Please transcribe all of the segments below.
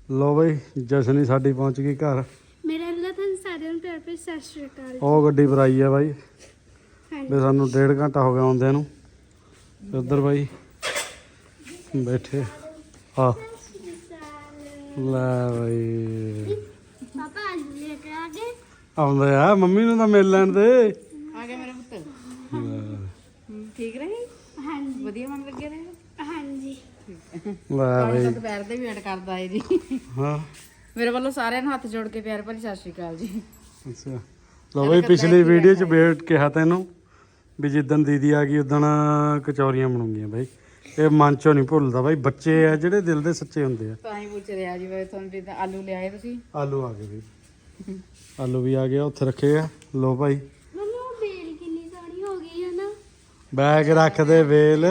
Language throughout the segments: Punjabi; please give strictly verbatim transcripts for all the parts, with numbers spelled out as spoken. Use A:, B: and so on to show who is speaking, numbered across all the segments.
A: ਲੋ ਬਈ ਜਸ਼ਨੀ ਸਾਡੀ ਪਹੁੰਚ ਗਈ ਘਰ।
B: ਮੇਰੇ ਅੱਲਾ ਤੁਹਾਨੂੰ ਸਾਰਿਆਂ ਨੂੰ ਪਿਆਰ ਭਰੀ ਸਤਿ ਸ਼੍ਰੀ ਅਕਾਲ।
A: ਉਹ ਗੱਡੀ ਪਰ ਆਈ ਆ ਬਾਈ
B: ਹਾਂਜੀ
A: ਵੀ ਸਾਨੂੰ ਡੇਢ ਘੰਟਾ ਹੋ ਗਿਆ ਆਉਂਦਿਆਂ ਨੂੰ। ਉੱਧਰ ਬਾਈ ਬੈਠੇ ਆ ਲੈ ਬਾਈ
B: ਪਾਪਾ ਆਲੂ ਲੈ ਕੇ ਆ ਗਏ।
A: ਆਉਂਦੇ ਆ ਮੰਮੀ ਨੂੰ ਤਾਂ ਮਿਲ ਲੈਣ ਦੇ।
C: ਆ ਗਿਆ ਮੇਰਾ ਪੁੱਤ। ਠੀਕ ਰਹੀ?
B: ਹਾਂਜੀ
C: ਵਧੀਆ ਮਨ ਲੱਗਿਆ ਰਹੇ?
B: ਹਾਂਜੀ
A: ਲੈ ਬਾਈ
C: ਦੁਪਹਿਰ ਦੇ ਵੇਟ ਕਰਦਾ ਏ ਜੀ।
A: ਹਾਂ
C: ਮੇਰੇ ਵੱਲੋਂ ਸਾਰਿਆਂ ਨੂੰ ਹੱਥ ਜੋੜ ਕੇ ਪਿਆਰ ਭਰੀ ਸਤਿ ਸ਼੍ਰੀ ਅਕਾਲ ਜੀ।
A: ਅੱਛਾ ਲੋ ਬਾਈ ਪਿਛਲੀ ਵੀਡੀਓ 'ਚ ਵੇਟ ਕਿਹਾ ਤੈਨੂੰ ਵੀ ਜਿੱਦਣ ਦੀਦੀ ਆ ਗਈ ਉਦਣ ਕਚੌਰੀਆਂ ਬਣੂਗੀਆਂ ਬਾਈ। ਇਹ ਮਨ ਚੋਂ ਨਹੀਂ ਭੁੱਲਦਾ ਬਾਈ। ਬੱਚੇ ਆ ਜਿਹੜੇ ਦਿਲ ਦੇ ਸੱਚੇ ਹੁੰਦੇ ਆ।
C: ਤਾਂ ਹੀ ਪੁੱਛ ਰਿਹਾ ਜੀ ਵੇ ਤੁਹਾਨੂੰ ਵੀ ਆਲੂ ਲਿਆਏ ਤੁਸੀਂ?
A: ਆਲੂ ਆ ਗਏ ਬਈ ਆਲੂ ਵੀ ਆ ਗਏ ਉੱਥੇ ਰੱਖੇ ਆ। ਲੋ ਭਾਈ
B: ਮੰਮਾ ਉਹ ਬੇਲ ਕਿੰਨੀ ਸੋਹਣੀ ਹੋ ਗਈ ਹੈ ਨਾ।
A: ਬੈਗ ਰੱਖ ਦੇ ਵੇਲ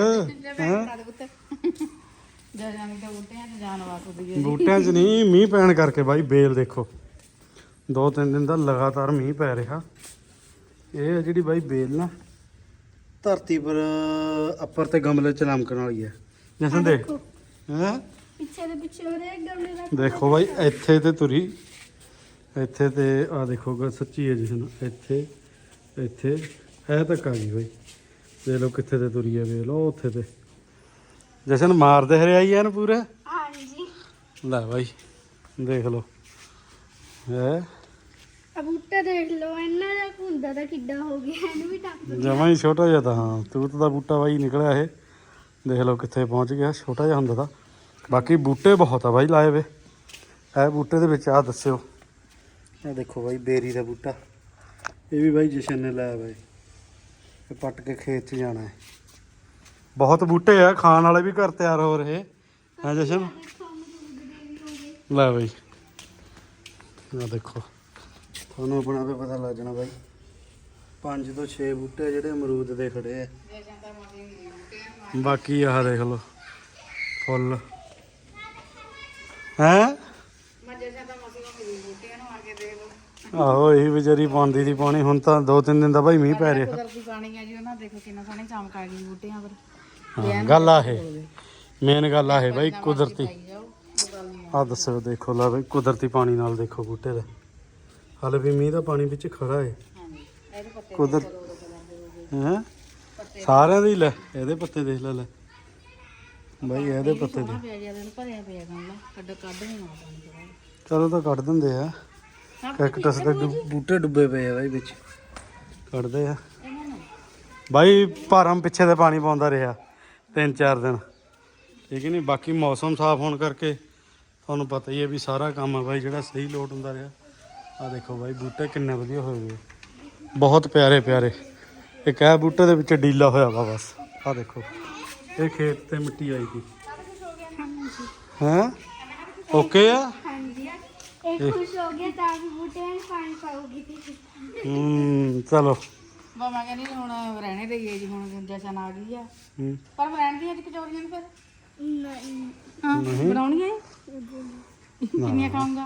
C: ਜਾਨੀ ਤਾਂ ਬੂਟਿਆਂ 'ਚ ਜਾਨ ਵਾਸਦੀ ਹੈ।
A: ਬੂਟਿਆਂ 'ਚ ਨਹੀਂ ਮੀਂਹ ਪੈਣ ਕਰਕੇ ਬਾਈ ਬੇਲ ਦੇਖੋ ਦੋ ਤਿੰਨ ਦਿਨ ਦਾ ਲਗਾਤਾਰ ਮੀਂਹ ਪੈ ਰਿਹਾ। ਇਹ ਆ ਜਿਹੜੀ ਬਾਈ ਬੇਲ ਨਾ ਧਰਤੀ ਪਰ ਅੱਪਰ ਤੇ ਗਮਲੇ 'ਚ ਲਮਕਣ ਵਾਲੀ ਹੈ। ਜਸਨ ਦੇਖ ਹੈਂ
B: ਪਿੱਛੇ ਦੇ ਪਿੱਛੇ ਹੋ ਰਿਹਾ ਗਮਲੇ ਦਾ।
A: ਦੇਖੋ ਬਾਈ ਇੱਥੇ ਤੇ ਤੁਰੀ ਇੱਥੇ ਤੇ ਆ ਦੇਖੋ ਗ ਸੱਚੀ ਹੈ ਜਸਨ ਇੱਥੇ ਇੱਥੇ ਹੈ ਤੱਕ ਆ ਗਈ ਬਾਈ। ਦੇਖ ਲਓ ਕਿੱਥੇ ਤੇ ਤੁਰੀ ਹੈ ਵੇਲ ਉਹ ਉੱਥੇ ਤੇ ਜਸ਼ਨ ਮਾਰਦੇ ਹਰਿਆਈ ਐਨ ਪੂਰਾ।
B: ਹਾਂਜੀ
A: ਲੈ ਬਾਈ ਦੇਖ ਲਓ ਹੈ
B: ਆ ਬੂਟਾ ਦੇਖ ਲਓ ਇਹਨਾਂ ਦਾ ਹੁੰਦਾ ਤਾਂ ਕਿੱਡਾ ਹੋ ਗਿਆ। ਇਹਨੂੰ ਵੀ ਟੱਪ
A: ਜਮਾਂ ਹੀ ਛੋਟਾ ਜਿਹਾ ਤਾਂ ਹਾਂ ਤੂਤ ਦਾ ਬੂਟਾ ਬਾਈ ਨਿਕਲਿਆ ਇਹ। ਦੇਖ ਲਓ ਕਿੱਥੇ ਪਹੁੰਚ ਗਿਆ। ਛੋਟਾ ਜਿਹਾ ਹੁੰਦਾ ਤਾਂ ਬਾਕੀ ਬੂਟੇ ਬਹੁਤ ਆ ਬਾਈ ਲਾਏ ਵੇ। ਇਹ ਬੂਟੇ ਦੇ ਵਿੱਚ ਆ ਦੱਸਿਓ ਇਹ ਦੇਖੋ ਬਾਈ ਬੇਰੀ ਦਾ ਬੂਟਾ ਇਹ ਵੀ ਬਾਈ ਜਸ਼ਨ ਨੇ ਲਾਇਆ ਬਾਈ। ਇਹ ਪੱਟ ਕੇ ਖੇਤ 'ਚ ਜਾਣਾ ਹੈ। ਬਹੁਤ ਬੂਟੇ ਆ ਖਾਣ ਵਾਲੇ ਵੀ ਘਰ ਤਿਆਰ ਹੋ ਰਹੇ ਹੈ ਜਸ਼ਨ। ਲੈ ਬਾਈ ਆ ਦੇਖੋ ਤੁਹਾਨੂੰ ਆਪਣਾ ਵੀ ਪਤਾ ਲੱਗ ਜਾਣਾ ਬਾਈ। ਪੰਜ ਤੋਂ ਛੇ ਬੂਟੇ ਜਿਹੜੇ ਅਮਰੂਦ ਦੇ ਖੜੇ ਆ। ਬਾਕੀ ਆਹ ਦੇਖ ਲਓ ਫੁੱਲ ਹੈ। ਆਹੋ ਇਹੀ ਵਿਚਾਰੀ ਪਾਉਂਦੀ ਦੀ ਪਾਣੀ। ਹੁਣ ਤਾਂ ਦੋ ਤਿੰਨ ਦਿਨ ਦਾ ਬਾਈ ਮੀਂਹ ਪੈ ਰਿਹਾ।
C: ਕੁਦਰਤੀ ਪਾਣੀ ਹੈ ਜੀ ਉਹਨਾਂ ਦੇਖੋ ਕਿੰਨਾ ਸੋਹਣੀ ਚਮਕ ਆ ਗਈ ਬੂਟਿਆਂ ਪਰ।
A: ਹਾਂ ਗੱਲ ਆ ਇਹ ਮੇਨ ਗੱਲ ਆ ਇਹ ਬਾਈ ਕੁਦਰਤੀ। ਆਹ ਦੱਸੋ ਦੇਖੋ ਲਾ ਬਾਈ ਕੁਦਰਤੀ ਪਾਣੀ ਨਾਲ ਦੇਖੋ ਬੂਟੇ ਦਾ ਹਾਲੇ ਵੀ ਮੀਂਹ ਦਾ ਪਾਣੀ ਵਿੱਚ ਖੜਾ ਹੈ। ਕੁਦਰ ਹੈ ਸਾਰਿਆਂ ਦੀ ਲੈ ਇਹਦੇ ਪੱਤੇ ਦੇਖ ਲੈ ਲੈ ਬਾਈ ਇਹਦੇ ਪੱਤੇ ਦੇ
C: ਭਰਿਆ ਪਿਆ ਗਮਲਾ ਕੱਢ ਕੱਢ ਨਹੀਂ ਆਉਂਦਾ।
A: ਚਲੋ ਤਾਂ ਕੱਢ ਦਿੰਦੇ ਆ। ਕੈਕਟਸ ਦੇ ਬੂਟੇ ਡੁੱਬੇ ਪਏ ਆ ਬਾਈ ਵਿੱਚ ਕੱਢਦੇ ਆ ਬਾਈ। ਭਾਰਮ ਪਿੱਛੇ ਤੇ ਪਾਣੀ ਪਾਉਂਦਾ ਰਿਹਾ ਤਿੰਨ ਚਾਰ ਦਿਨ ਠੀਕ ਨਹੀਂ। ਬਾਕੀ ਮੌਸਮ ਸਾਫ਼ ਹੋਣ ਕਰਕੇ ਤੁਹਾਨੂੰ ਪਤਾ ਹੀ ਹੈ ਵੀ ਸਾਰਾ ਕੰਮ ਆ ਬਾਈ ਜਿਹੜਾ ਸਹੀ ਲੋਟ ਹੁੰਦਾ ਰਿਹਾ। ਆਹ ਦੇਖੋ ਬਾਈ ਬੂਟੇ ਕਿੰਨੇ ਵਧੀਆ ਹੋਏ ਵੇ ਬਹੁਤ ਪਿਆਰੇ ਪਿਆਰੇ। ਇੱਕ ਇਹ ਬੂਟੇ ਦੇ ਵਿੱਚ ਡੀਲਾ ਹੋਇਆ ਵਾ ਬਸ। ਆਹ ਦੇਖੋ ਇਹ ਖੇਤ ਤੇ ਮਿੱਟੀ ਆਈ ਸੀ ਹੈਂ ਓਕੇ ਆ।
B: ਹਾਂਜੀ ਇਹ ਖੁਸ਼ ਹੋ ਗਿਆ ਤਾਂ ਵੀ ਬੂਟੇ ਨੂੰ ਪਾਣੀ ਪਾਉਗੀ।
A: ਹੂੰ ਚਲੋ
C: ਮਾਮਾ ਕਹਿੰਦੀ ਹੁਣ ਰਹਿਣੇ ਦੇ ਗਏ ਜੀ ਹੁਣ ਜਸ਼ਨ ਆ ਗਈ ਆ
A: ਹੂੰ
C: ਪਰ ਰਹਿਣ ਦੀਆਂ ਅੱਜ ਕਚੌਰੀਆਂ ਨੂੰ ਫਿਰ
B: ਨਹੀਂ
C: ਹਾਂ ਬਣਾਉਣੀਆਂ ਕਿੰਨੀਆਂ ਖਾਊਂਗਾ?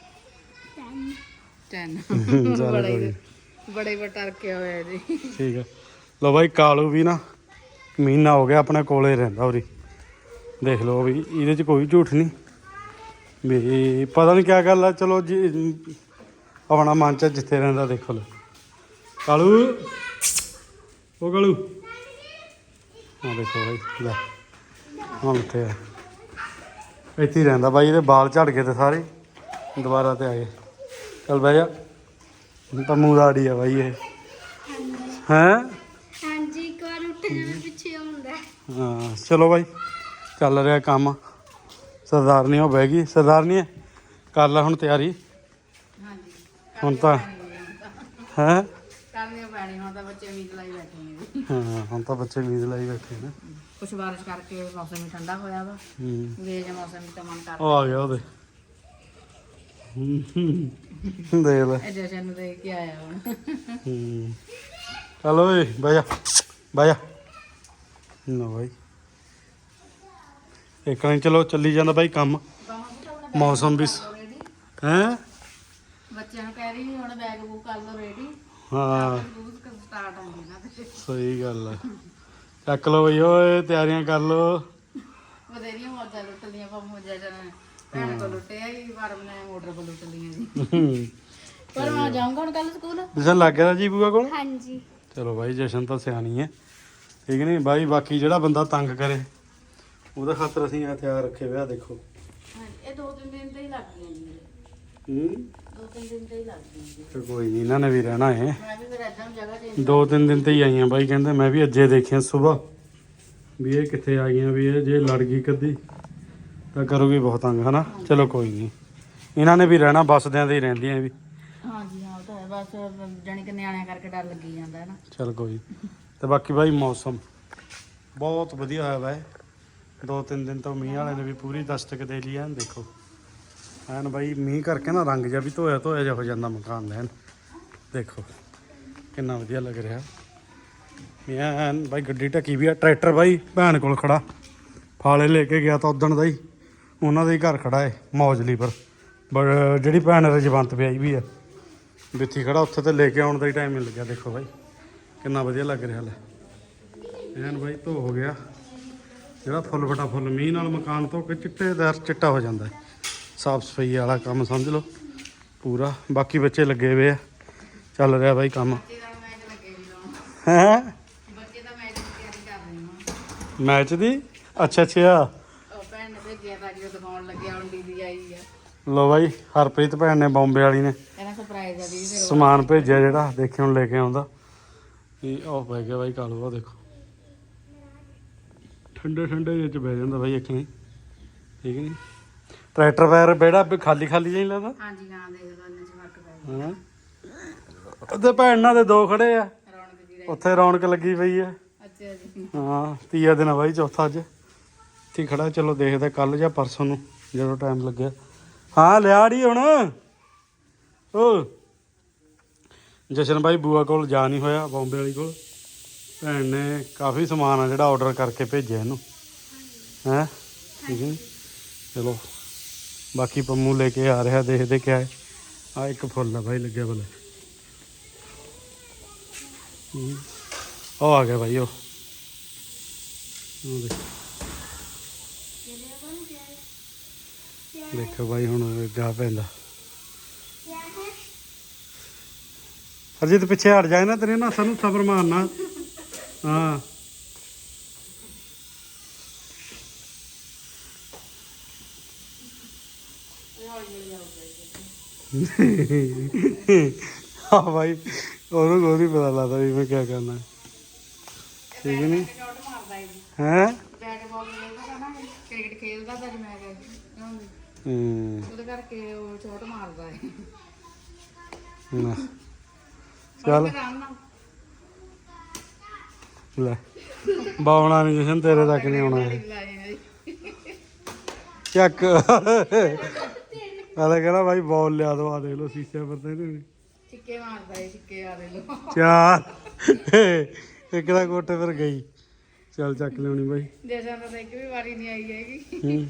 C: ਤਿੰਨ ਬੜੇ ਬੜੇ ਬਟਰ ਕੇ ਹੋਏ ਜੀ।
A: ਠੀਕ ਆ ਲੋ ਬਾਈ ਕਾਲੂ ਵੀ ਨਾ ਮਹੀਨਾ ਹੋ ਗਿਆ ਆਪਣੇ ਕੋਲੇ ਰਹਿੰਦਾ ਉਰੀ। ਦੇਖ ਲਓ ਵੀ ਇਹਦੇ 'ਚ ਕੋਈ ਝੂਠ ਨਹੀਂ ਵੀ ਪਤਾ ਨਹੀਂ ਕਿਆ ਗੱਲ ਆ। ਚਲੋ ਜੀ ਆਪਣਾ ਮਨ 'ਚ ਜਿੱਥੇ ਰਹਿੰਦਾ ਦੇਖੋ ਲੋ ਕਾਲੂ ਉਹ ਕਾਲੂ ਆ ਦੇਖੋ ਬਾਈ ਲੈ ਹੁਣ ਉੱਥੇ ਆ ਇੱਥੇ ਹੀ ਰਹਿੰਦਾ ਬਾਈ। ਇਹਦੇ ਬਾਲ ਝੜ ਗਏ ਤੇ ਸਾਰੇ ਦੁਬਾਰਾ ਤੇ ਆ ਗਏ। ਚੱਲ ਬਹਿ ਜਾ ਤਾਂ ਮੂੰਹ ਦਾੜੀ ਆ ਬਾਈ ਇਹ ਹੈਂ।
B: ਹਾਂਜੀ ਇੱਕ ਵਾਰ ਉੱਠ ਜਾਣਾ ਪਿੱਛੇ ਹੁੰਦਾ।
A: ਹਾਂ ਚਲੋ ਬਾਈ ਚੱਲ ਰਿਹਾ ਕੰਮ। ਸਰਦਾਰਨੀ ਉਹ ਬਹਿ ਗਈ। ਸਰਦਾਰਨੀ ਕਰ ਲੈ ਹੁਣ ਤਿਆਰੀ।
C: ਹਾਂਜੀ
A: ਹੁਣ ਤਾਂ ਹੈਂ
C: ਕਰਨੀਆਂ ਪੈਣੀ ਹੁਣ ਤਾਂ ਬੱਚੇ ਉਮੀਦ ਲਾਈ ਬੈਠੇ ਨੇ।
A: ਹਾਂ ਹੁਣ ਤਾਂ ਬੱਚੇ ਉਮੀਦ ਲਾਈ ਬੈਠੇ ਨੇ।
C: ਕੁਛ ਬਾਰਿਸ਼ ਕਰਕੇ ਮੌਸਮ ਵੀ ਠੰਡਾ ਹੋਇਆ ਵਾ।
A: ਹੂੰ
C: ਵੇਜ ਮੌਸਮ ਵੀ ਤਾਂ ਮਨ ਕਰਦਾ।
A: ਉਹ ਆ ਗਿਆ ਉਹਦੇ ਦੇਖ ਲੈ
C: ਇਹ ਜਸ਼ਨ ਨੂੰ ਦੇਖ ਕੇ ਆਇਆ ਹੁਣ।
A: ਹੂੰ ਚੱਲ ਓਏ ਬਹਿ ਜਾ ਬਹਿ ਜਾ ਨਾ ਬਾਈ ਇੱਕ ਨਹੀਂ ਚਲੋ ਚੱਲੀ ਜਾਂਦਾ ਬਾਈ ਕੰਮ। ਮੌਸਮ ਵੀ ਹੈਂ
C: ਬੱਚਿਆਂ ਨੂੰ ਕਹਿ ਰਹੀ ਹੁਣ ਬੈਗ ਬੁੱਕ ਕਰ ਲਓ ਰੈਡੀ।
A: ਹਾਂ
C: ਸਟਾਰਟ ਹੁੰਦੀ ਨਾ ਤੇ
A: ਸਹੀ ਗੱਲ ਹੈ। ਚੱਕ ਲਓ ਬਈ ਓਏ ਤਿਆਰੀਆਂ ਕਰ ਲਓ।
C: ਬਥੇਰੀਆਂ ਮੌਜਾਂ ਲੁੱਟ ਲੀਆਂ ਪਰ ਮੌਜਾਂ ਜਨ ਭੈਣ ਕੋਲ ਲੁੱਟਿਆ ਹੀ ਪਰ ਮੈਂ ਮੋਟਰ ਕੋਲ ਲੁੱਟ ਲਈਆਂ ਜੀ ਪਰ ਮੈਂ ਜਾਊਂਗਾ ਹੁਣ ਕੱਲ ਸਕੂਲ
A: ਜਸ਼ਨ ਲੱਗ ਗਿਆ ਜੀ ਬੂਆ ਕੋਲ
B: ਹਾਂਜੀ
A: ਚਲੋ ਬਾਈ ਜਸ਼ਨ ਤਾਂ ਸਿਆਣੀ ਹੈ ਠੀਕ ਨਹੀਂ ਬਾਈ ਬਾਕੀ ਜਿਹੜਾ ਬੰਦਾ ਤੰਗ ਕਰੇ ਉਹਦਾ ਖਾਤਰ ਅਸੀਂ ਹਥਿਆਰ ਰੱਖੇ ਹੋਇਆ ਦੇਖੋ
C: ਹਾਂਜੀ ਇਹ ਦੋ ਤਿੰਨ ਦਿਨ ਤੇ ਹੀ ਲੱਗ ਗਈਆਂ ਜੀ
A: ਹੂੰ
C: ਦੋ ਤਿੰਨ ਦਿਨ ਤੇ ਹੀ ਲੱਗ ਗਈਆਂ ਜੀ
A: ਤੇ ਕੋਈ ਨਹੀਂ ਇਹਨਾਂ ਨੇ ਵੀ ਰਹਿਣਾ ਹੈ
C: ਮੈਂ ਵੀ ਫਿਰ ਏਦਾਂ ਜਗ੍ਹਾ ਚੇਂਜ
A: ਦੋ ਤਿੰਨ ਦਿਨ ਤੇ ਹੀ ਆਈਆਂ ਬਾਈ ਕਹਿੰਦੇ ਮੈਂ ਵੀ ਅੱਜੇ ਦੇਖਿਆ ਸਵੇਰ ਵੀ ਇਹ ਕਿੱਥੇ ਆ ਗਈਆਂ ਵੀ ਇਹ ਜੇ ਲੜ ਗਈ ਕਦੀ ਤਾਂ ਕਰੂਗੀ ਬਹੁਤ ਤੰਗ ਹਨਾ ਚਲੋ ਕੋਈ ਨਹੀਂ ਇਹਨਾਂ ਨੇ ਵੀ ਰਹਿਣਾ ਬੱਸਦਿਆਂ ਦੇ ਹੀ ਰਹਿੰਦੀਆਂ ਵੀ
C: ਹਾਂਜੀ ਹਾਂ ਉਹ ਤਾਂ ਹੈ ਬਸ ਜਾਣੀ ਕਿ ਨਿਆਣਿਆਂ ਕਰਕੇ ਡਰ ਲੱਗੀ ਜਾਂਦਾ ਹੈ ਨਾ
A: ਚਲ ਕੋਈ ਤੇ ਬਾਕੀ ਬਾਈ ਮੌਸਮ ਬਹੁਤ ਵਧੀਆ ਹੋਇਆ ਵਾ ਇਹ। ਦੋ ਤਿੰਨ ਦਿਨ ਤੋਂ ਮੀਂਹ ਵਾਲੇ ਨੇ ਵੀ ਪੂਰੀ ਦਸਤਕ ਦੇ ਲਈ ਐਨ ਦੇਖੋ ਐਨ ਬਾਈ ਮੀਂਹ ਕਰਕੇ ਨਾ ਰੰਗ ਜਿਹਾ ਵੀ ਧੋਇਆ ਧੋਇਆ ਜਿਹਾ ਹੋ ਜਾਂਦਾ ਮਕਾਨ ਦਾ ਐਨ ਦੇਖੋ ਕਿੰਨਾ ਵਧੀਆ ਲੱਗ ਰਿਹਾ ਮੀਂਹ ਐਨ ਬਾਈ ਗੱਡੀ ਢੱਕੀ ਵੀ ਆ ਟਰੈਕਟਰ ਬਾਈ ਭੈਣ ਕੋਲ ਖੜਾ ਫਾਲੇ ਲੈ ਕੇ ਗਿਆ ਤਾਂ ਉਦਣ ਦਾ ਹੀ ਉਹਨਾਂ ਦੇ ਹੀ ਘਰ ਖੜਾ ਹੈ ਮੌਜਲੀ ਪਰ ਬ- ਜਿਹੜੀ ਭੈਣ ਰਜਵੰਤ ਵਿਆਹੀ ਵੀ ਆ ਵਿੱਥੀ ਖੜਾ ਉੱਥੇ ਤੇ ਲੈ ਕੇ ਆਉਣ ਦਾ ਹੀ ਟਾਈਮ ਮਿਲ ਗਿਆ ਦੇਖੋ ਬਾਈ ਕਿੰਨਾ ਵਧੀਆ ਲੱਗ ਰਿਹਾ ਲੈ ਐਨ ਬਾਈ ਧੋ ਹੋ ਗਿਆ ਜਿਹੜਾ ਫੁੱਲ ਫਟਾ ਫੁੱਲ ਮੀਂਹ ਨਾਲ ਮਕਾਨ ਧੋ ਕੇ ਚਿੱਟੇਦਾਰ ਚਿੱਟਾ ਹੋ ਜਾਂਦਾ ਹੈ ਸਾਫ ਸਫਾਈ ਵਾਲਾ ਕੰਮ ਸਮਝ ਲਓ ਪੂਰਾ ਬਾਕੀ ਬੱਚੇ ਲੱਗੇ ਹੋਏ ਆ ਚੱਲ ਰਿਹਾ ਬਾਈ ਕੰਮ
C: ਬੱਚੇ ਦਾ ਮੈਚ ਲੱਗੇ ਵੀ ਲਾਉਣ
A: ਹੈ
C: ਬੱਚੇ ਦਾ ਮੈਚ ਦੀ ਤਿਆਰੀ ਕਰ ਰਹੇ ਹਾਂ
A: ਮੈਚ ਦੀ ਅੱਛਾ ਅੱਛਾ
C: ਉਹ ਭੈਣ ਨੇ ਭੇਜਿਆ ਤਾਂ ਜੀ ਉਹ ਦਿਖਾਉਣ ਲੱਗਿਆ ਹੁਣ ਦੀਦੀ ਆਈ ਆ
A: ਲੋ ਬਾਈ ਹਰਪ੍ਰੀਤ ਭੈਣ ਨੇ ਬੰਬੇ ਵਾਲੀ ਨੇ
C: ਕਹਿੰਦਾ ਸਰਪ੍ਰਾਈਜ਼ ਆ ਦੀਦੀ ਫਿਰ
A: ਸਮਾਨ ਭੇਜਿਆ ਜਿਹੜਾ ਦੇਖੇ ਹੁਣ ਲੈ ਕੇ ਆਉਂਦਾ ਇਹ ਉਹ ਪੈ ਗਿਆ ਬਾਈ ਕਾਲੂ ਆ ਦੇਖੋ ਠੰਡੇ ਠੰਡੇ ਜਿਹੇ ਚ ਬਹਿ ਜਾਂਦਾ ਬਾਈ ਇੱਕ ਨਹੀਂ ਠੀਕ ਨਹੀਂ ਟਰੈਕਟਰ ਵਾਇਰ ਬੇੜਾ ਵੀ ਖਾਲੀ ਖਾਲੀ ਜਿਹਾ ਹੀ ਲੱਗਦਾ
C: ਹਾਂਜੀ ਹਾਂ ਦੇਖ ਲਓ ਇੰਨੇ ਚ ਫਰਕ ਪੈ ਗਿਆ
A: ਹਾਂ ਉਹਦੇ ਭੈਣਾਂ ਦੇ ਦੋ ਖੜੇ ਆ
C: ਰੌਣਕ ਜੀ ਰਹੀ
A: ਉੱਥੇ ਰੌਣਕ ਲੱਗੀ ਪਈ ਆ
C: ਅੱਛਾ ਜੀ
A: ਹਾਂ ਤੀਆ ਦਿਨ ਆ ਬਾਈ ਚੌਥਾ ਅੱਜ ਇੱਥੇ ਖੜਾ ਚਲੋ ਦੇਖਦੇ ਕੱਲ ਜਾਂ ਪਰਸੋਂ ਨੂੰ ਜਦੋਂ ਟਾਈਮ ਲੱਗਿਆ ਹਾਂ ਲਿਆ ੜੀ ਹੁਣ ਓ ਜਸ਼ਨ ਬਾਈ ਬੂਆ ਕੋਲ ਜਾ ਨਹੀਂ ਹੋਇਆ ਬੰਬੇ ਵਾਲੀ ਕੋਲ ਭੈਣ ਨੇ ਕਾਫੀ ਸਮਾਨ ਆ ਜਿਹੜਾ ਆਰਡਰ ਕਰਕੇ ਭੇਜਿਆ ਇਹਨੂੰ ਹੈਂ ਠੀਕ ਹੈ ਚਲੋ ਬਾਕੀ ਪੰਮੂ ਲੈ ਕੇ ਆ ਰਿਹਾ ਦੇਖਦੇ ਕਿਆ ਹੈ ਆ ਇੱਕ ਫੁੱਲ ਆ ਬਾਈ ਲੱਗਿਆ ਬਲੇ ਉਹ ਆ ਗਿਆ ਬਾਈ ਉਹ ਉਹ ਦੇਖ ਦੇਖੋ ਬਾਈ ਹੁਣ ਗਾ ਪੈਂਦਾ ਅਰਜੀਤ ਪਿੱਛੇ ਹਟ ਜਾਏ ਨਾ ਤੇਰੇ ਨਾ ਸਾਨੂੰ ਸਬਰ ਮਾਰਨਾ ਹਾਂ ਹਾਂ ਭਾਈ ਉਹਨੂੰ ਕੋਈ ਨਹੀਂ ਪਤਾ ਲੱਗਦਾ ਵੀ ਮੈਂ ਕੀ ਕਰਨਾ ਠੀਕ ਨਹੀਂ
C: ਸ਼ਾਟ ਮਾਰਦਾ ਹੈ ਜੀ
A: ਹੈ
C: ਬੈਟ ਬਾਲ ਖੇਡਦਾ ਨਾ ਕ੍ਰਿਕਟ ਖੇਡਦਾ ਤਾਂ ਮੈਂ ਕਹਿੰਦਾ
A: ਹੂੰ
C: ਉਹਦੇ ਕਰਕੇ ਉਹ ਸ਼ਾਟ ਮਾਰਦਾ ਹੈ
A: ਨਾ ਚੱਲ
C: ਆਰਾਮ ਨਾਲ
A: ਲੈ ਬਾਉਣਾ ਨਹੀਂ ਜਸ਼ਨ ਤੇਰੇ ਤੱਕ ਨਹੀਂ ਆਉਣਾ ਇਹ।
C: ਲਾਏ
A: ਚੱਕ ਆਲੇ ਕਹਿੰਦਾ ਭਾਈ ਬੋਲ ਲਿਆ ਦੋ ਆ ਦੇਖ ਲੋ ਸ਼ੀਸ਼ੇ ਪਰ ਤੇ ਇਹਨੇ
C: ਛਿੱਕੇ ਮਾਰਦਾ ਹੈ ਛਿੱਕੇ ਆ ਦੇ ਲੋ
A: ਚਾਰ ਇੱਕ ਦਾ ਕੋਟੇ ਪਰ ਗਈ ਚੱਲ ਚੱਕ ਲਿਆਉਣੀ ਬਾਈ
C: ਜੈਸਾ ਤਾਂ ਇੱਕ ਵੀ ਵਾਰੀ ਨਹੀਂ ਆਈ ਹੈਗੀ
A: ਹੂੰ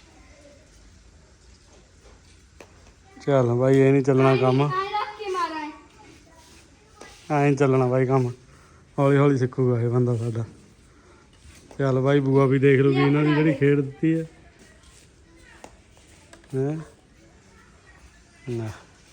A: ਚੱਲ ਬਾਈ ਇਹ ਨਹੀਂ ਚੱਲਣਾ ਕੰਮ
B: ਆਏ ਰੱਖ ਕੇ ਮਾਰਾ ਹੈ
A: ਐਂ ਨੀ ਚੱਲਣਾ ਬਾਈ ਕੰਮ ਹੌਲੀ ਹੌਲੀ ਸਿੱਖੂਗਾ ਇਹ ਬੰਦਾ ਸਾਡਾ ਚੱਲ ਬਾਈ ਬੂਆ ਵੀ ਦੇਖ ਲੂਗੀ ਇਹਨਾਂ ਦੀ ਜਿਹੜੀ ਖੇਡ ਦਿੱਤੀ ਹੈ ਹੈਂ ਨਾ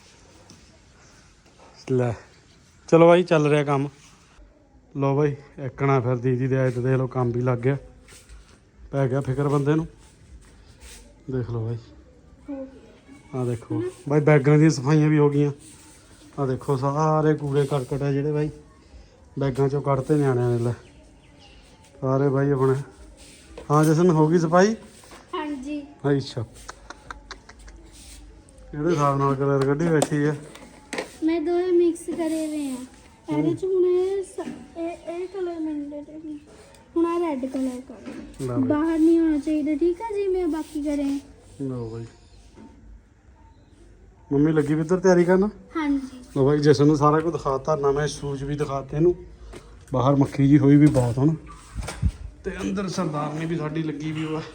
A: ਲੈ ਚਲੋ ਬਾਈ ਚੱਲ ਰਿਹਾ ਕੰਮ ਲੋ ਬਾਈ ਇੱਕਣਾ ਫਿਰ ਦੀਦੀ ਦੇ ਆਏ ਤੇ ਦੇਖ ਲਓ ਕੰਮ ਵੀ ਲੱਗ ਗਿਆ ਪੈ ਗਿਆ ਫਿਕਰ ਬੰਦੇ ਨੂੰ ਦੇਖ ਲਓ ਬਾਈ ਆ ਦੇਖੋ ਬਾਈ ਬੈਗਾਂ ਦੀਆਂ ਸਫਾਈਆਂ ਵੀ ਹੋ ਗਈਆਂ ਆ ਦੇਖੋ ਸਾਰੇ ਕੂੜੇ ਕਰਕਟ ਆ ਜਿਹੜੇ ਬਾਈ ਬੈਗਾਂ ਚੋਂ ਕੱਢਤੇ ਨਿਆਣਿਆਂ ਨੇ ਲੈ ਸਾਰੇ ਬਾਈ ਆਪਣੇ ਹਾਂ ਜਸਨ ਹੋ ਗਈ ਸਫਾਈ
B: ਹਾਂਜੀ
A: ਅੱਛਾ ਕਿਹੜੇ ਹਿਸਾਬ ਨਾਲ ਕਲਰ ਕੱਢੀ ਬੈਠੀ ਆ
B: ਮੈਂ ਦੋਵੇਂ ਮਿਕਸ ਕਰੇ ਹੋਏ ਆ ਇਹਦੇ ਚ ਹੁਣ ਇਹ ਸ- ਇਹ ਇਹ ਕਲਰ ਮੈਂਡੇਟ ਹੈ ਹੁਣ ਆ ਰੈੱਡ ਕਲਰ ਕਰ
A: ਲੈ ਬਾਈ
B: ਬਾਹਰ ਨਹੀਂ ਹੋਣਾ ਚਾਹੀਦਾ ਠੀਕ ਹੈ ਜੀ ਮੈਂ ਬਾਕੀ ਕਰੇ
A: ਲਓ ਬਾਈ ਮੰਮੀ ਲੱਗੀ ਵੀ ਇੱਧਰ ਤਿਆਰੀ ਕਰਨ
B: ਹਾਂਜੀ
A: ਲਓ ਬਾਈ ਜਸਨ ਨੂੰ ਸਾਰਾ ਕੁਝ ਦਿਖਾਤਾ ਨਵੇਂ ਸ਼ੂਜ਼ ਵੀ ਦਿਖਾਤੇ ਇਹਨੂੰ ਬਾਹਰ ਮੱਖੀ ਜੀ ਹੋਈ ਵੀ ਬਹੁਤ ਹੁਣ ਤੇ ਅੰਦਰ ਸਰਦਾਰਨੀ ਵੀ ਸਾਡੀ ਲੱਗੀ ਵੀ ਵਾ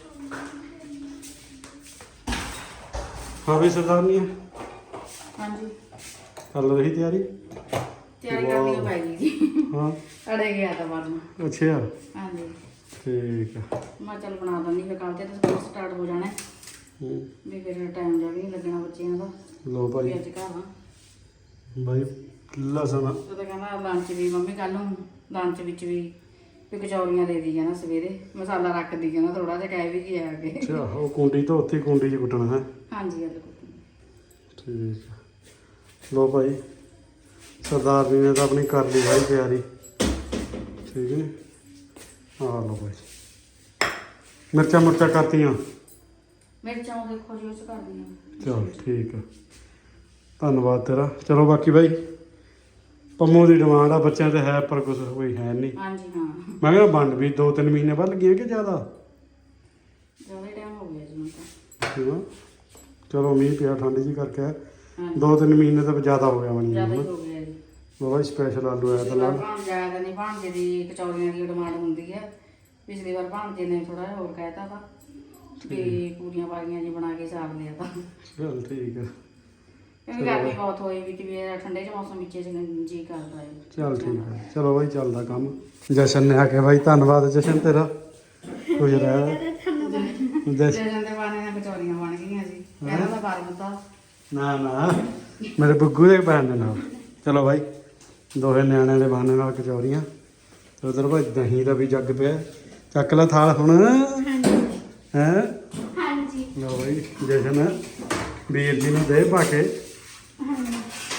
A: ਹਾਂ ਵੀ ਸਰਦਾਰਨੀ
C: ਹਾਂਜੀ
A: ਚੱਲ ਰਹੀ ਤਿਆਰੀ
C: ਤਿਆਰੀ ਕਰਨੀ ਪੈ ਗਈ ਜੀ
A: ਹਾਂ
C: ਅੜੇ ਗਿਆ ਤਾਂ ਬਾਅਦ ਨੂੰ
A: ਅੱਛਾ
C: ਹਾਂਜੀ
A: ਠੀਕ ਆ
C: ਮੈਂ ਚੱਲ ਬਣਾ ਦਿੰਦੀ ਫਿਰ ਕੱਲ ਤੇ ਸਕੂਲ ਸਟਾਰਟ ਹੋ ਜਾਣਾ ਹੈ।
A: ਹੂੰ
C: ਵੀ ਫਿਰ ਟਾਈਮ ਜਿਹਾ ਵੀ ਨਹੀਂ ਲੱਗਣਾ ਬੱਚਿਆਂ ਦਾ
A: ਲੋ
C: ਵੀ
A: ਭਾਈ
C: ਅੱਜ ਘਰ ਆ
A: ਭਾਈ ਲਸਣ
C: ਉਹ ਤਾਂ ਕਹਿੰਦਾ ਲੰਚ ਵੀ ਮੰਮੀ ਕੱਲ ਨੂੰ ਲੰਚ ਵਿੱਚ ਵੀ ਵੀ ਕਚੌਰੀਆਂ ਦੇ ਦੀ ਕਹਿੰਦਾ ਸਵੇਰੇ ਮਸਾਲਾ ਰੱਖ ਦੀ ਕਹਿੰਦਾ ਥੋੜਾ ਜਿਹਾ ਕਹਿ ਵੀ ਗਿਆ ਅੱਗੇ
A: ਅੱਛਾ ਉਹ ਕੁੰਡੀ ਤੋਂ ਉੱਥੇ ਕੁੰਡੀ 'ਚ ਕੁੱਟਣਾ ਹੈ
C: ਹਾਂਜੀ ਅੱਜ ਕੁੱਟਣੀ
A: ਠੀਕ ਆ। ਲੋ ਭਾਈ ਸਰਦਾਰ ਜੀ ਨੇ ਤਾਂ ਆਪਣੀ ਕਰ ਲਈ ਭਾਈ ਤਿਆਰੀ ਠੀਕ ਹੈ ਆ ਲੋ ਭਾਈ ਮਿਰਚਾਂ ਮੁਰਚਾਂ ਕਰਤੀਆਂ
C: ਮਿਰਚਾਂ ਉਹ ਦੇਖੋ ਜੀ ਉਹ ਚ ਕਰ ਦਿੰਦੀ
A: ਚਲ ਠੀਕ ਆ ਧੰਨਵਾਦ ਤੇਰਾ ਚਲੋ ਬਾਕੀ ਭਾਈ ਪੰਮੂ ਦੀ ਡਿਮਾਂਡ ਆ ਬੱਚਿਆਂ ਤੇ ਹੈ ਪਰ ਕੁਝ ਕੋਈ ਹੈ ਨਹੀਂ
C: ਹਾਂਜੀ ਹਾਂ
A: ਮੈਂ ਕਹਿੰਦਾ ਵੰਡ ਵੀ ਦੋ ਤਿੰਨ ਮਹੀਨੇ ਬਾਅਦ ਲੱਗੀਆਂ ਕਿ ਜ਼ਿਆਦਾ
C: ਜ਼ਿਆਦਾ ਟਾਈਮ ਹੋ ਗਿਆ ਜੀ ਹੁਣ ਤਾਂ
A: ਹਾਂ ਚਲੋ ਮੀਂਹ ਪਿਆ ਠੰਡ ਜੀ ਕਰਕੇ
C: ਹਾਂਜੀ
A: ਦੋ ਤਿੰਨ ਮਹੀਨੇ ਤਾਂ ਜ਼ਿਆਦਾ ਹੋ ਗਿਆ ਬਣੀ
C: ਜ਼ਿਆਦਾ ਹੀ
A: ਨੂੰ
C: ਹੋ ਗਿਆ ਜੀ
A: ਬਾਬਾ ਸਪੈਸ਼ਲ ਆਲੂ ਆਇਆ ਤਾਂ
C: ਪਿਛਲੀ ਵਾਰ
A: ਨਾਲ
C: ਭਾਂਜੇ ਆਇਆ ਤਾਂ ਨਹੀਂ ਭਾਂਜੇ ਦੀ ਕਚੌਰੀਆਂ ਦੀ ਡਿਮਾਂਡ ਹੁੰਦੀ ਹੈ ਪਿਛਲੀ ਵਾਰ ਭਾਂਜੇ ਨੇ ਥੋੜਾ ਜਿਹਾ ਹੋਰ ਕਹਿਤਾ ਤਾ ਵੀ ਪੂਰੀਆਂ ਪਾਰੀਆਂ ਜੀ ਬਣਾ ਕੇ ਸਾਰ ਲਿਆ ਤਾਂ
A: ਚਲ ਠੀਕ ਆ
C: ਕਿਉਂਕਿ ਗਰਮੀ ਬਹੁਤ ਹੋਈ ਵੀ ਕਿ ਵੀ ਇਹ ਠੰਡੇ ਚ ਮੌਸਮ ਵਿੱਚ ਜੀ ਕਰਦਾ ਹੈ
A: ਚਲ ਠੀਕ ਆ ਚਲੋ ਬਾਈ ਚੱਲਦਾ ਕੰਮ ਜਸ਼ਨ ਨੇ ਆ ਕੇ ਬਾਈ ਧੰਨਵਾਦ ਜਸ਼ਨ ਤੇਰਾ ਖੁਸ਼ ਰਹਿ ਜਸ਼ਨ
C: ਜਸ਼ਨ ਦੇ ਬਾਣੇ ਨਾਲ ਕਚੌਰੀਆਂ ਬਣ ਗਈਆਂ ਸੀ ਕਹਿੰਦਾ ਤਾਂ ਬਾਰ ਤਾਂ
A: ਨਾ ਨਾ ਮੇਰੇ ਬੱਗੂ ਦੇ ਭੈਣ ਦੇ ਨਾਲ ਚਲੋ ਬਾਈ ਦੋਹੇ ਨਿਆਣਿਆਂ ਦੇ ਬਹਾਨੇ ਨਾਲ ਕਚੌਰੀਆਂ ਤੇ ਉਧਰ ਭਾਈ ਦਹੀਂ ਦਾ ਵੀ ਜੱਗ ਪਿਆ ਚੱਕ ਲੈ ਥਾਲ ਹੁਣ
B: ਹਾਂਜੀ
A: ਹੈ
B: ਹਾਂਜੀ
A: ਲਓ ਬਾਈ ਜਸ਼ਨ ਵੀਰ ਜੀ ਨੂੰ ਦੇ ਪਾ ਕੇ
B: ਹਾਂਜੀ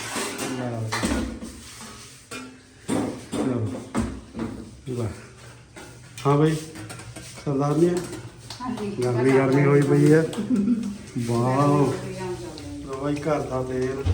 A: ਲੈ ਹਾਂ ਬਾਈ ਸਰਦਾਰ ਨਹੀਂ ਹੈ
C: ਹਾਂਜੀ
A: ਗਰਮੀ ਗਰਮੀ ਹੋਈ ਪਈ ਹੈ ਵਾਓ ਲਓ ਬਾਈ ਘਰ ਦਾ ਤੇਲ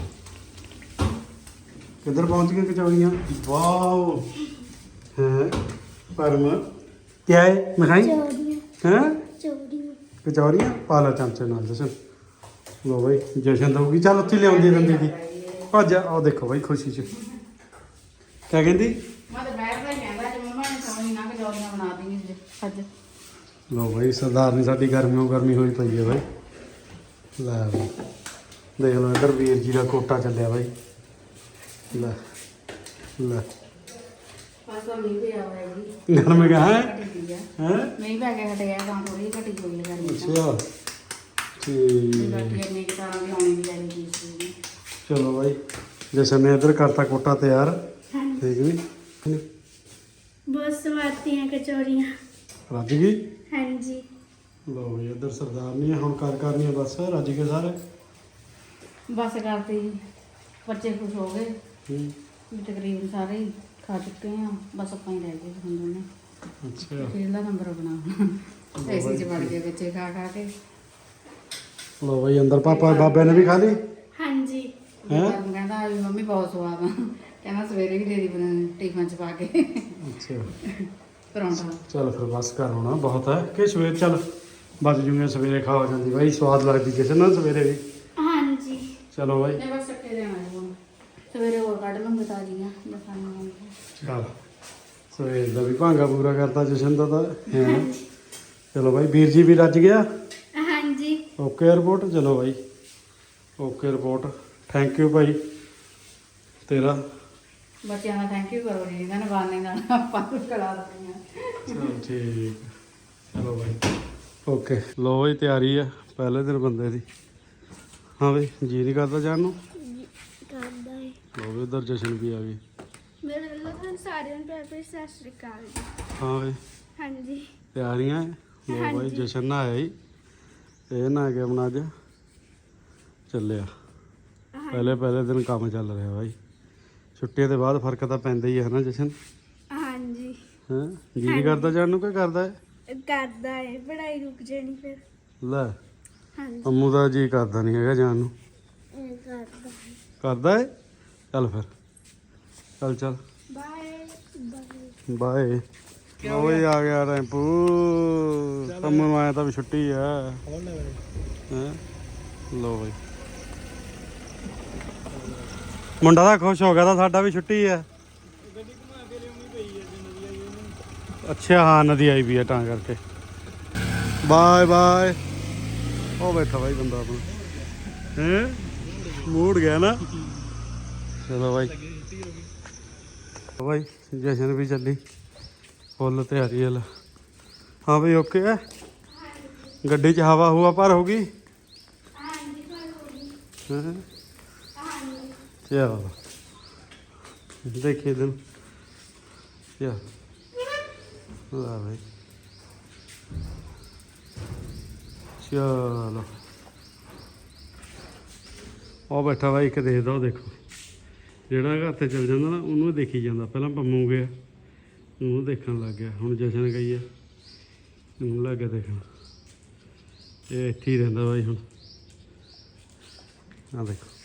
A: ਕਿੱਧਰ ਪਹੁੰਚ ਗਏ ਕਚੌਰੀਆਂ ਵਾਓ ਹੈ ਪਰਮ ਕਿਆ ਹੈ ਮਿਠਾਈ
B: ਚੋਰੀਆਂ
A: ਹੈ
B: ਚੋਰੀਆਂ
A: ਕਚੌਰੀਆਂ ਪਾ ਲੈ ਚਮਚੇ ਨਾਲ ਜਸ਼ਨ ਲੋ ਬਾਈ ਜਸ਼ਨ ਦਊਗੀ ਚੱਲ ਉੱਥੇ ਲਿਆਉਂਦੀ ਰਹਿੰਦੀ ਦੀ ਭੱਜ ਆਓ ਦੇਖੋ ਬਾਈ ਖੁਸ਼ੀ ਚ ਕਿਆ ਕਹਿੰਦੀ
C: ਮੈਂ ਤਾਂ ਬੈਠ ਕੇ ਕਹਿੰਦਾ ਕਿ ਮੰਮਾ ਨੇ ਸੌਣੀ ਨਾ ਕਚੌਰੀਆਂ ਬਣਾ ਦੇਣੀ ਅੱਜ
A: ਲੋ ਬਾਈ ਸਰਦਾਰ ਨੇ ਸਾਡੀ ਗਰਮੀਓ ਗਰਮੀ ਹੋਈ ਪਈ ਹੈ ਬਾਈ ਲੈ ਬਾਈ ਦੇਖ ਲਓ ਇੱਧਰ ਵੀਰ ਜੀ ਦਾ ਕੋਟਾ ਚੱਲਿਆ ਬਾਈ ਲੈ ਲੈ
C: ਬਸ ਤਾਂ ਮੀਂਹ ਪਿਆ ਹੋਇਆ ਜੀ
A: ਗਰਮ ਕਹਾਂ ਹੈ
C: ਘਟੀ ਹੈ
A: ਹੈ
C: ਮੀਂਹ ਪੈ ਕੇ ਹਟ ਗਿਆ ਤਾਂ ਥੋੜੀ ਘਟੀ ਹੋਈ ਹੈ ਗਰਮੀ ਤਾਂ
A: ਅੱਛਾ ਠੀਕ
C: ਬਾਕੀ ਇੰਨੇ ਕਿ ਤਰ੍ਹਾਂ ਦੀ ਆਉਣੀ ਵੀ ਚਾਹੀਦੀ ਸੀ
A: ਚਲੋ ਬਾਈ ਜਸ਼ਨ ਨੇ ਇੱਧਰ ਕਰਤਾ ਕੋਟਾ ਤਿਆਰ
B: ਹਾਂਜੀ
A: ਠੀਕ ਨਹੀਂ
B: ਬਹੁਤ ਸਵਾਦੀਆਂ ਕਚੌਰੀਆਂ
A: ਰੱਜ ਗਈ
B: ਹਾਂਜੀ
A: ਲਓ ਬਈ ਇੱਧਰ ਸਰਦਾਰ ਨਹੀਂ ਹੁਣ ਕਰ ਕਰਨੀ ਆ ਬਸ ਰੱਜ ਗਏ ਸਾਰੇ
C: ਬਸ ਕਰਤੀ ਜੀ ਬੱਚੇ ਖੁਸ਼ ਹੋ ਗਏ
A: ਹੂੰ
C: ਵੀ ਤਕਰੀਬਨ ਸਾਰੇ ਹੀ ਖਾ ਚੁੱਕੇ ਆ ਬਸ ਆਪਾਂ ਹੀ ਰਹਿ ਗਏ ਹੁਣ ਦੋਨੇ
A: ਅੱਛਾ
C: ਖੇਡਦਾ ਨੰਬਰ ਬਣਾਉਣਾ ਏਸੀ ਚ ਵੜ ਗਏ ਬੱਚੇ ਖਾ ਖਾ ਕੇ
A: ਲਓ ਬਈ ਅੰਦਰ ਪਾਪਾ ਬਾਬੇ ਨੇ ਵੀ ਖਾ ਲਈ
B: ਹਾਂਜੀ
A: ਹੈਂ?
C: ਹੈਂ ਕਹਿੰਦਾ ਵੀ ਮੰਮੀ ਬਹੁਤ ਸਵਾਦ ਆ ਕਹਿੰਦਾ ਸਵੇਰੇ ਵੀ ਦੇ ਦੀ ਬਣਾ ਟਿਫਨ ਚ ਪਾ ਕੇ
A: ਅੱਛਾ
C: ਪਰੌਂਠਾ
A: ਚਲ ਫਿਰ ਬਸ ਕਰ ਹੋਣਾ ਬਹੁਤ ਹੈ ਕਿ ਸਵੇਰ ਚੱਲ ਬਚ ਜੂਗੇ ਸਵੇਰੇ ਖਾ ਹੋ ਜਾਂਦੀ ਬਾਈ ਸਵਾਦ ਲੱਗਦੀ ਕਿਸੇ ਨਾਲ ਸਵੇਰੇ ਵੀ
B: ਹਾਂਜੀ
A: ਚਲੋ ਬਾਈ
C: ਨਹੀਂ ਬਸ ਚੱਕੇ ਦੇਣਾ ਜੀ ਹੁਣ ਸਵੇਰੇ ਹੋਰ ਕੱਢ ਲਵਾਂਗੇ ਤਾਜ਼ੀਆਂ ਦਸਾਂ
A: ਚਲ ਸਵੇਰ ਦਾ ਵੀ ਭਾਂਗਾ ਪੂਰਾ ਕਰਤਾ ਜਸ਼ਨ ਦਾ ਤਾਂ ਹੈ ਚਲੋ ਬਾਈ ਵੀਰ ਜੀ ਵੀ ਰੱਜ ਗਿਆ
B: ਹਾਂਜੀ
A: ਓਕੇ ਰਿਪੋਰਟ ਚਲੋ ਬਾਈ ਓਕੇ ਰਿਪੋਰਟ ਥੈਂਕ ਯੂ ਭਾਈ ਤੇਰਾ
C: ਬੱਚਿਆਂ ਦਾ ਥੈਂਕ ਯੂ ਕਰੋ ਜੀ ਇਹਨਾਂ ਨੇ ਬਾਨੇ ਨਾਲ ਆਪਾਂ ਨੂੰ ਕਰਾ ਦਿੱਤੀਆਂ
A: ਚਲੋ ਠੀਕ ਚਲੋ ਬਾਈ ਓਕੇ ਲੋ ਬਈ ਤਿਆਰੀ ਆ ਪਹਿਲੇ ਦਿਨ ਬੰਦੇ ਦੀ ਹਾਂ ਬਈ ਜੀ ਨਹੀਂ ਕਰਦਾ ਜਾਣ ਨੂੰ
B: ਕਰਦਾ ਹੈ
A: ਲੋ ਵੀ ਉਧਰ ਜਸ਼ਨ ਵੀ ਆ ਗਈ
B: ਮੇਰੇ ਵੱਲੋਂ ਤੁਹਾਨੂੰ ਸਾਰਿਆਂ ਨੂੰ ਪਿਆਰ ਭਰੀ ਸਤਿ ਸ਼੍ਰੀ ਅਕਾਲ ਜੀ
A: ਹਾਂ ਬਈ
B: ਹਾਂਜੀ
A: ਤਿਆਰੀਆਂ ਲੋ ਬਾਈ ਜਸ਼ਨ ਨਾ ਆਇਆ ਹੀ ਇਹ ਨਾ ਆ ਗਿਆ ਆਪਣਾ ਅੱਜ ਚੱਲਿਆ ਪਹਿਲੇ ਪਹਿਲੇ ਦਿਨ ਕੰਮ ਚੱਲ ਰਿਹਾ ਬਾਈ ਛੁੱਟੀਆਂ ਦੇ ਬਾਅਦ ਫਰਕ ਤਾਂ ਪੈਂਦਾ ਹੀ ਹੈ ਨਾ ਜਸ਼ਨ
B: ਹਾਂਜੀ
A: ਹਾਂ ਜੀ ਨਹੀਂ ਕਰਦਾ ਜਾਣ ਨੂੰ ਕੀ ਕਰਦਾ ਹੈ
B: ਕਰਦਾ ਹੈ ਪੜ੍ਹਾਈ ਰੁਕ ਜਾਣੀ ਫਿਰ
A: ਲੈ
B: ਹਾਂਜੀ
A: ਅੰਮੂ ਦਾ ਜੀ ਕਰਦਾ ਨਹੀਂ ਹੈਗਾ ਜਾਣ ਨੂੰ
B: ਇਹ ਕਰਦਾ ਹੈ
A: ਕਰਦਾ ਹੈ ਚੱਲ ਫਿਰ ਚੱਲ ਚੱਲ
B: ਬਾਏ ਬਾਏ
A: ਬਾਏ ਓਏ ਆ ਗਿਆ ਟੈਂਪੂ ਅੰਮੂ ਨੂੰ ਆਇਆ ਤਾਂ ਵੀ ਛੁੱਟੀ ਆ ਹੈਂ ਲੋ ਬਈ ਮੁੰਡਾ ਤਾਂ ਖੁਸ਼ ਹੋ ਗਿਆ ਤਾਂ ਸਾਡਾ ਵੀ ਛੁੱਟੀ ਆ ਅੱਛਾ ਹਾਂ ਨਦੀ ਆਈ ਵੀ ਆ ਤਾਂ ਕਰਕੇ ਬਾਏ ਬਾਏ ਉਹ ਬੈਠਾ ਬਾਈ ਬੰਦਾ ਆਪਣਾ ਹੈ ਮੂਡ ਗਿਆ ਨਾ ਚਲੋ ਬਾਈ ਬਾਈ ਜਸ਼ਨ ਵੀ ਚੱਲੀ ਫੁੱਲ ਤਿਆਰੀ ਹਲ ਹਾਂ ਬਈ ਓਕੇ ਹੈ ਗੱਡੀ 'ਚ ਹਵਾ ਹੁਆ ਭਰ ਹੋ ਗਈ ਹੈਂ? ਚਲੋ ਦੇਖੀਏ ਦਿਨ ਚਲ ਲਾ ਭਾਈ ਚਲੋ ਉਹ ਬੈਠਾ ਵਾ ਇੱਕ ਦੇਖਦਾ ਉਹ ਦੇਖੋ ਜਿਹੜਾ ਘਰ ਤੇ ਚੱਲ ਜਾਂਦਾ ਨਾ ਉਹਨੂੰ ਦੇਖੀ ਜਾਂਦਾ ਪਹਿਲਾਂ ਪੰਮੂ ਗਿਆ ਉਹਨੂੰ ਦੇਖਣ ਲੱਗ ਗਿਆ ਹੁਣ ਜਸ਼ਨ ਗਈ ਆ ਉਹਨੂੰ ਲੱਗ ਗਿਆ ਦੇਖਣ ਇਹ ਇੱਥੇ ਹੀ ਰਹਿੰਦਾ ਬਾਈ ਹੁਣ ਆ ਦੇਖੋ